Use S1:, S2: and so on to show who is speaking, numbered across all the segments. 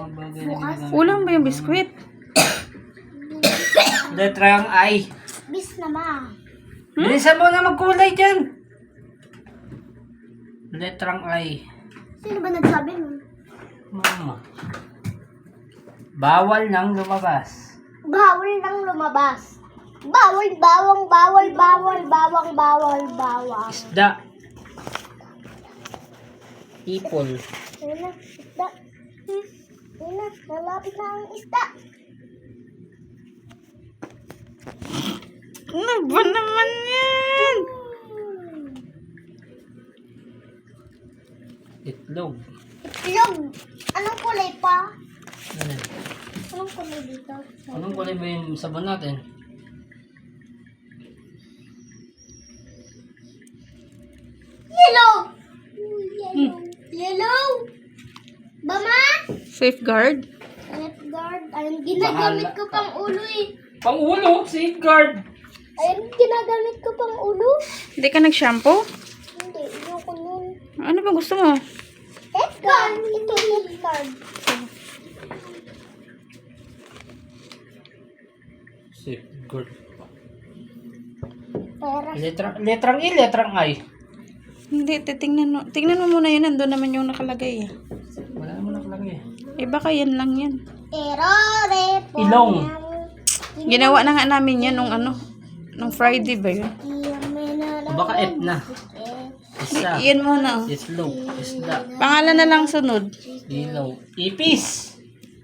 S1: bagay na ginagamit.
S2: Ulam ba yung biskwit?
S1: Letrang I.
S3: Bis na ma.
S1: Bilisan mo na magkulay dyan. Letrang I.
S3: Sino ba nagsabi mo?
S1: Mama. Bawal nang lumabas.
S3: Bawal nang lumabas. Bawal, bawang, bawal, bawal, bawang, bawal, bawang.
S1: Isda. Ipol.
S3: Ayun na, isda. Ayun na, nalapit na ang isda.
S2: Ano ba naman yan?
S1: Itlog.
S3: Itlog. Anong kulay pa?
S1: Ano?
S3: Anong kulay dito?
S1: Anong kulay ba yung sabon natin?
S3: Yellow. Yellow. Yellow. Bama?
S2: Safeguard?
S3: Lifeguard. Ayun, ginagamit ko pang ulo eh.
S1: Pangulo, safeguard.
S3: Ayun, ginagamit ko pang ulo.
S2: Hindi ka nag-shampoo?
S3: Hindi, ayoko nun.
S2: Ano ba gusto mo?
S3: Lifeguard. Ito, lifeguard.
S1: Safeguard.
S3: Pera.
S1: Letrang I, letrang I.
S2: Hindi, tingnan mo muna yun. Nandun naman yung nakalagay.
S1: Wala naman nakalagay.
S2: Eh baka yan lang yan.
S3: Errore po.
S1: Ilong.
S2: Ginawa na nga namin yan nung nung Friday ba yun?
S1: Baka F na. Isa.
S2: Yan muna. Oh.
S1: Itlog. Isda.
S2: Pangalan na lang sunod.
S1: Ilaw. Ipis.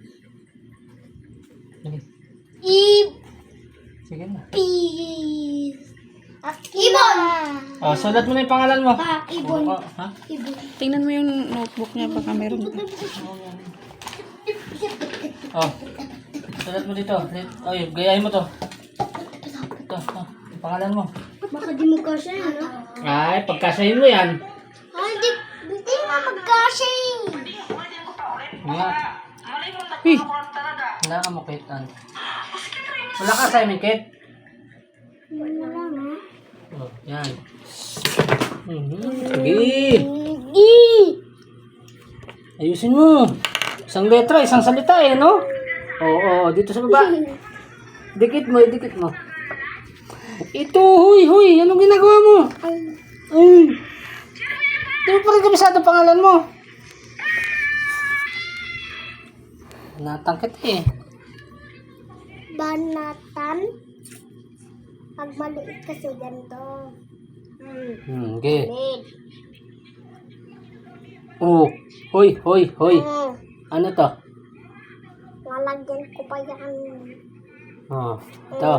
S1: Sige na.
S3: Ibon.
S1: Oh, sulat mo na yung pangalan mo.
S3: Ibon.
S1: Ha?
S3: Ibon.
S2: Tingnan mo yung notebook niya. Baka meron pa.
S1: Oh. Sulat mo dito. Oy, gayahin mo to. Ito, yung pangalan mo.
S3: Baka di magkasya yun, no?
S1: Ay, pagkasahin mo yan.
S3: Ay, di nga magkasya yun.
S1: Nga.
S2: Hey,
S1: Wala ka mo, Kate. Wala ka assignment, Kate?
S3: Wala lang, ha?
S1: Oh, yan. Sige. Ayusin mo. Isang letra, isang salita eh, no? Oo, dito sa baba. Dikit mo, dikit mo. Ito, huy. Anong ginagawa mo? Ay. Di mo pa rin kabisado pangalan mo. Natangkit eh.
S3: Banatan. Pag maliit kasi ganito.
S1: Okay.
S3: Maliit.
S1: Oh, hoy. Ano to?
S3: Lalagyan ko pa yan.
S1: Oh, ito.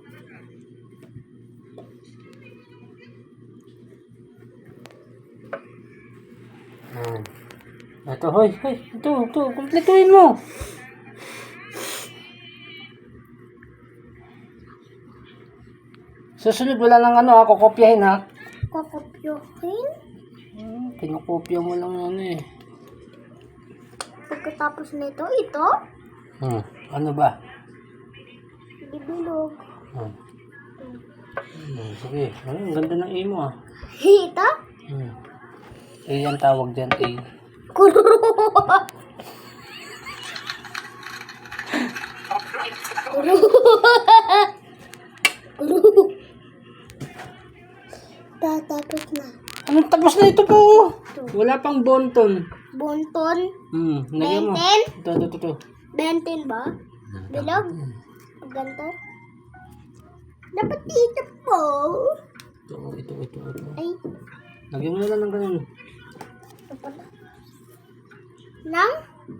S1: Ito, hoy. Ito, kumpletuhin mo. Susunod, wala nang ako kopyahin ha.
S3: Kokopyohin.
S1: Kinukopya mo lang eh.
S3: Pagkatapos nito, ito.
S1: Ano ba?
S3: Bibilog.
S1: Sige, ang ganda ng A mo ah.
S3: Ito.
S1: A ang tawag dyan, A.
S3: Kuro. Tatapos na.
S1: Anong tapos na ito po? Wala pang bonton.
S3: Bonton.
S1: Nagyan mo.
S3: Benten?
S1: Ito.
S3: Benten ba? Bilog? Ganto? Dapat dito po.
S1: Ito.
S3: Ay,
S1: Lagyan mo na lang ng ganun.
S3: ito pala. Nang?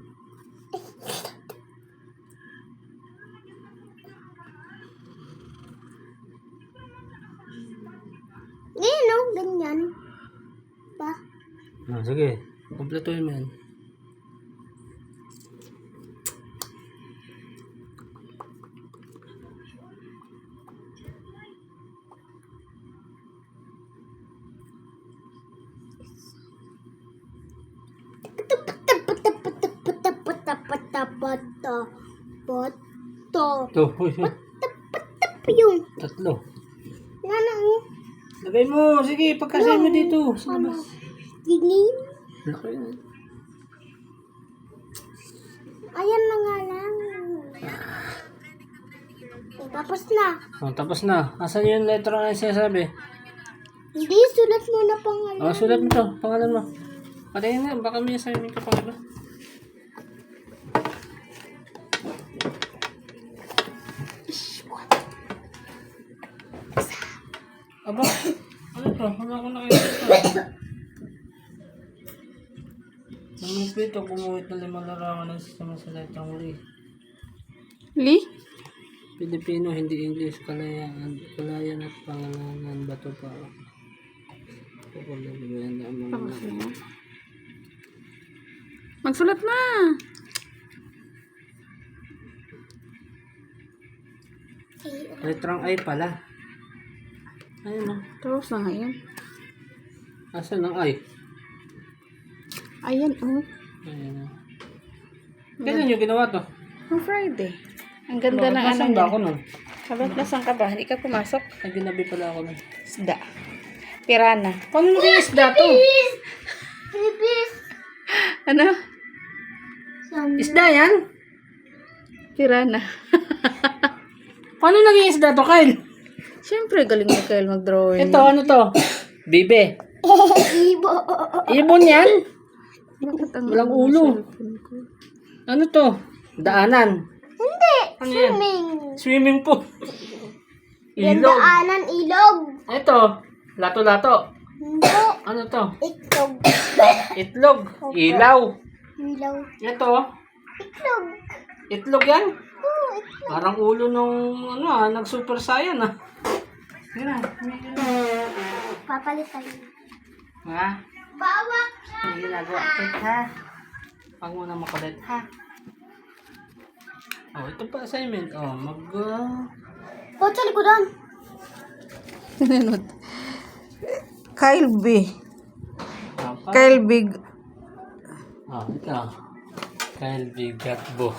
S3: Ngayon, no? Ganyan. Ba?
S1: Sige, kumpletuhin mo yan. Ito, hoy.
S3: Yung.
S1: Tatlo.
S3: Ano?
S1: Lagay mo, sige, pagkasay mo dito. Sa labas.
S3: Dilim.
S1: Laki na.
S3: Ayan na nga lang. Tapos na.
S1: Oh, tapos na. Asan yung letra na sinasabi?
S3: Hindi, sulat mo na pangalan.
S1: Oh, sulat mo to. Pangalan mo. Patayin na. Baka may assignment ka pang iba. Aba, ano to? Wala ko nakikita. Namipit o kumuhit na 5 larawan ng sistema sa letrang Lee.
S2: Li?
S1: Pilipino, hindi English, kalayan at pangalanan, bato pa. Pagkalayan na mga...
S2: Magsulat na.
S1: Letrang I pala. Ayun o.
S2: Tapos na nga yan.
S1: Asan ang I?
S2: Ayan, oh.
S1: Ayan o. Kailan nyo ginawa to?
S2: On Friday. Ang ganda ng ano
S1: Nasaan ba
S2: niya.
S1: ako nun?
S2: Sabat, nasaan ka ba? Hindi ka pumasok?
S1: Ay, ginabi pala ako nun.
S2: Isda. Pirana.
S1: Paano naging isda to?
S3: Pipis.
S2: Ano?
S1: Isda yan?
S2: Pirana.
S1: Paano naging isda to, Kyle?
S2: Siyempre, galing mo Kyle mag-drawing.
S1: Ito, ano to? Bibe.
S3: Ibo.
S1: Ibon yan?
S2: Bakit ang
S1: Walang ulo.
S2: cellphone ko?
S1: Ano to? Daanan.
S3: Hindi.
S1: Ano yan?
S3: Swimming.
S1: Swimming pool. Ilog.
S3: Gandaanan, ilog.
S1: Ito. Lato-lato.
S3: Hindi.
S1: Ano to?
S3: Itlog.
S1: Itlog. Ilaw.
S3: Ilaw.
S1: Ito.
S3: Itlog.
S1: Itlog yan?
S3: Oo, itlog.
S1: Parang ulo nung nag-super saiyan Tira.
S3: Papalitan.
S1: Ha?
S3: Bawak.
S1: May ginagawa kit ha? Huwag mo na makulit ha? Oh, ito pa assignment. Oh,
S3: O, sa likodan.
S2: Sinunod. Kyle B.
S1: Apa?
S2: Kyle Big.
S1: Oh, ito. Kyle Bigatbo.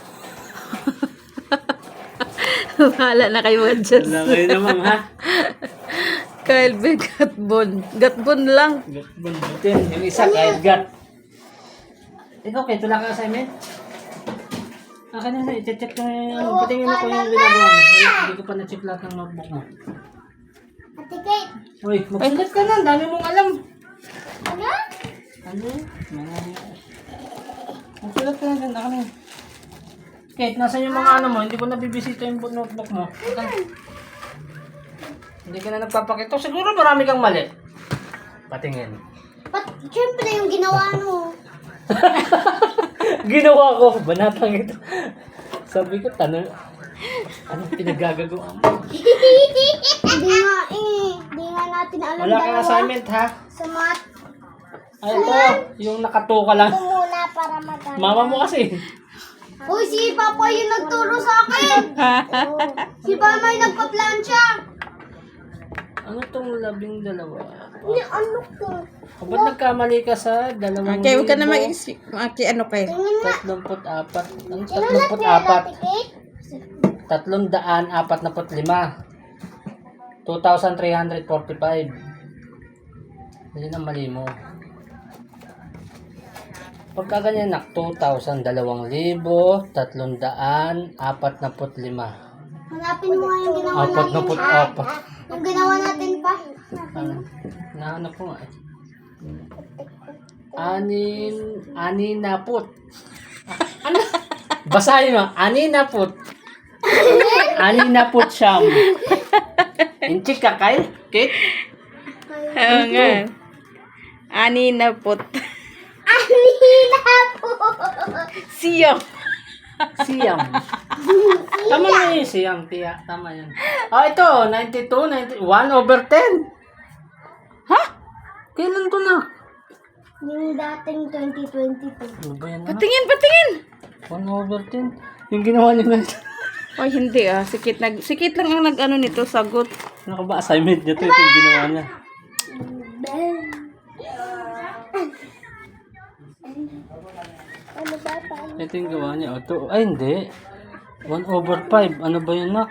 S2: Bahala na kayo adjust.
S1: Wala kayo naman ha?
S2: Kyle Big Gatbon. Gatbon lang.
S1: Gatbon butin. Yung isa kahit gat. Ikaw, kaya wala ka assignment? Akin na, i-check ko yung patingin ako yung ginagawa mo. Wala, hindi ko pa na-check lahat ng notebook mo.
S3: Ate Kate.
S1: Uy, magsulat ka na. Ang dami mong alam.
S3: Ano?
S1: Ano? Magsulat ka na dyan. Akin na. Kate, nasan yung mga ano mo? Hindi ko nabibisita yung notebook mo. Hindi ka na nagpapakita. Siguro marami kang mali. Patingin.
S3: Siyempre yung ginawa mo.
S1: Ginawa ko. Banatang ito. Sabi ko, tanong. Anong pinagagagawa mo?
S3: Hindi nga eh. Hindi nga natin alam
S1: Wala kang assignment ha?
S3: Sa math.
S1: Ay, ito. Yung nakatuka lang.
S3: Ito muna para maganda.
S1: Mama mo kasi.
S3: Uy, si Papa yung nagturo sa akin. Si Mama yung nagpa-plancha.
S1: Ano tong 12?
S3: Hindi, ano ko?
S1: O ba't nagkamali ka sa 2,000?
S2: Okay, huwag ka na ano kayo.
S3: Tingin nga.
S1: 34. Ang
S3: Inulat niya Ate
S1: 34.
S3: Kate?
S1: 345. 2,345. Yan ang mali mo. Pagka ganyan nak, 2,000, 2,345.
S3: Hanapin mo nga yung ginawa natin.
S1: 44.
S3: Yung ginawa natin pa.
S1: Ano? Nahanap ko nga eh. Aninaput. Ano? Basahin mo. Aninaput. Aninaput siyam. Inchik ka, Kyle? Kate?
S2: Oo nga. Ani na pot.
S3: Anila po.
S2: Siyam.
S1: Siyam. Tama na yun, siyam. Tiya. Tama yan. Ah, ito. 92, 1/10.
S2: Ha?
S1: Kailan to na?
S3: Yung dating 2022.
S1: Ano ba yan?
S2: Patingin, patingin.
S1: 1/10. Yung ginawa niyo na ito.
S2: Ay, hindi ah. Sikit lang ang nag-ano nito, sagot.
S1: Ano ka ba assignment niya to? Ito yung ginawa niya.
S3: Ano ba pa?
S1: Ito yung gawa niya. Ito. Ay, hindi. 1/5. Ano ba yun, nak?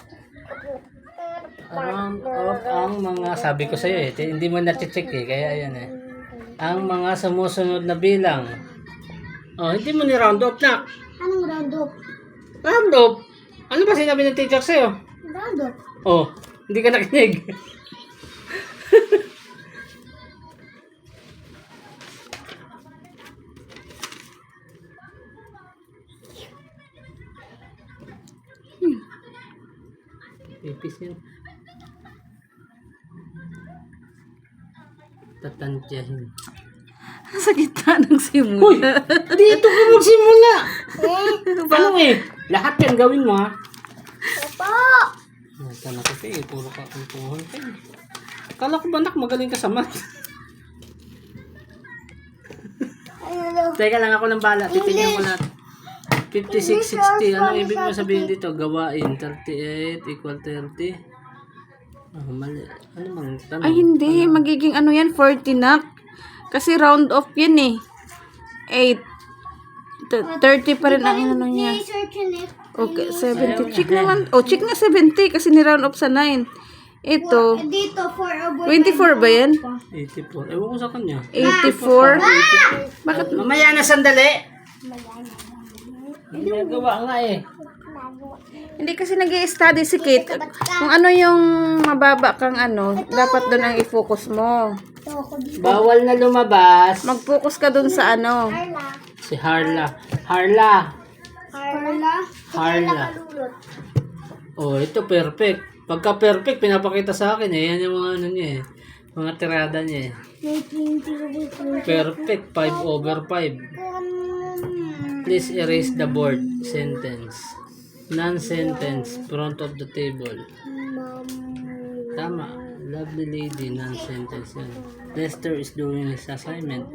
S1: Round off ang mga, sabi ko sa'yo eh, hindi mo na-check eh, kaya yan eh. Ang mga sumusunod na bilang. Oh, hindi mo ni-round off, nak.
S3: Anong round up?
S1: Round up? Ano ba sinabi ng teacher sa'yo?
S3: Round up.
S1: Oh, hindi ka nakinig. Pipis yan. Tatantyahin.
S2: Sa gitna ng
S1: Uy!
S2: simula.
S1: Dito ka magsimula! Ano eh? Lahat yan gawin mo ha?
S3: Opo.
S1: Nasa na kasi eh. Puro ka kwentuhan ka eh. Kala ko ba nak magaling ka sa math?
S3: Ano?
S1: Teka lang ako ng bala. Titignan ko lahat. 56, 60. Ano ibig mo sabihin dito? Gawain. 38 equal 30. Oh, mali. Ano bang tanong?
S2: Ay, hindi. Magiging ano yan, 40 nak. Kasi round off yan eh. 8. 30 pa rin ang ano niya.
S3: Search it.
S2: Okay, 70. Check naman. Oh, check nga 70 kasi ni-round off sa 9. Ito,
S3: Dito, 4 over
S2: 24 ba yan?
S1: 84. Ewan ko sa kanya.
S2: 84? Bakit?
S1: Mamaya na sandali. Ginagawa nga eh.
S2: Hindi kasi nag-i-study si Kate. Kung ano yung mababa kang ano, dapat doon ang i-focus mo.
S3: Ito ako dito.
S1: Bawal na lumabas.
S2: Mag-focus ka doon sa ano.
S3: Carla.
S1: Si Harla. Harla.
S3: Carla.
S1: Harla.
S3: Kalulot.
S1: Oh, ito perfect. Pagka perfect, pinapakita sa akin eh. Yan yung mga ano niya eh. Mga tirada niya eh. Perfect. 5 over 5. Please erase the board. Sentence. Non-sentence. Front of the table. Tama. Lovely lady. Non-sentence yan. Lester is doing his assignment.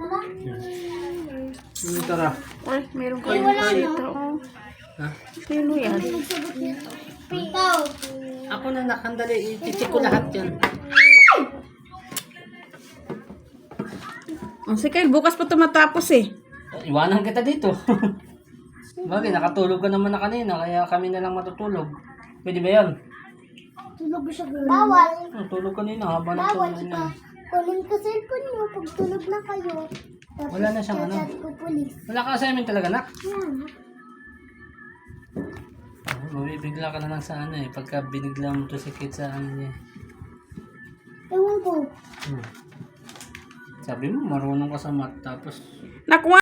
S1: Tara.
S2: Ay, meron kayo dito.
S1: Ha?
S2: Sino yan?
S3: Ikaw.
S1: Ako na nakandali. I-check ko lahat yan.
S2: Oh, si Kyle, bukas pa ito matapos eh.
S1: Iwanan kita dito. Bagay, nakatulog ka naman na kanina, kaya kami na lang matutulog. Pwede ba yan?
S3: Tulog siya. Bawal.
S1: Tulog kanina, haba ng
S3: Bawal
S1: tulog
S3: ito.
S1: na.
S3: Kunin ko cellphone mo pag tulog na kayo. Tapos
S1: Wala na siyang ano.
S3: chat ko police.
S1: Wala ka assignment talaga, nak?
S3: Yan.
S1: Mabibigla ka na lang sa ano eh, pagka binigla mo to si Kate sa ano niya.
S3: Ewan ko.
S1: Sabi mo, marunong ka sa math, tapos
S2: Nakuha